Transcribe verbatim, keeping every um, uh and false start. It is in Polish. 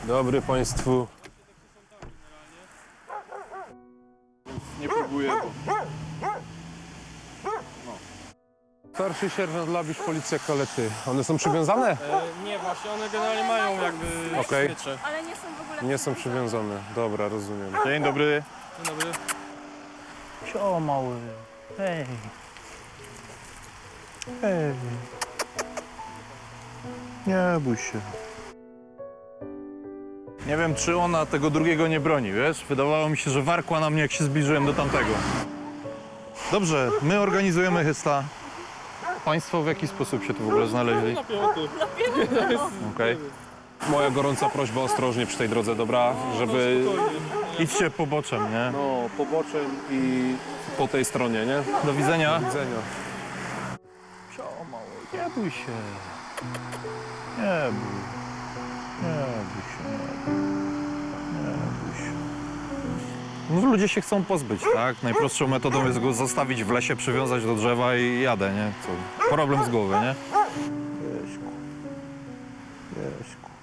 Dobry państwu. Nie próbuję, bo... Starszy sierżant Labisz, policja Kalety. One są przywiązane? E, nie, właśnie one generalnie mają jakby Okej. smycze. Ale nie są w ogóle Nie są przywiązane. Dobra, rozumiem. Dzień dobry. Dzień dobry. Sio, mały. Hej. Hej. Nie bój się. Nie wiem, czy ona tego drugiego nie broni, wiesz? Wydawało mi się, że warkła na mnie, jak się zbliżyłem do tamtego. Dobrze, my organizujemy Hysta. Państwo w jaki sposób się tu w ogóle znaleźli? Na piąty. Okej. Moja gorąca prośba, ostrożnie przy tej drodze, dobra? Żeby Idźcie poboczem, nie? no, poboczem i po tej stronie, nie? Do widzenia. Do widzenia. Sio, mały. Nie bój się. Nie bój. Nie bój się. Nie bój się. No, ludzie się chcą pozbyć, tak? Najprostszą metodą jest go zostawić w lesie, przywiązać do drzewa i jadę, nie? Co? Problem z głowy, nie? Jeśku. Jeśku.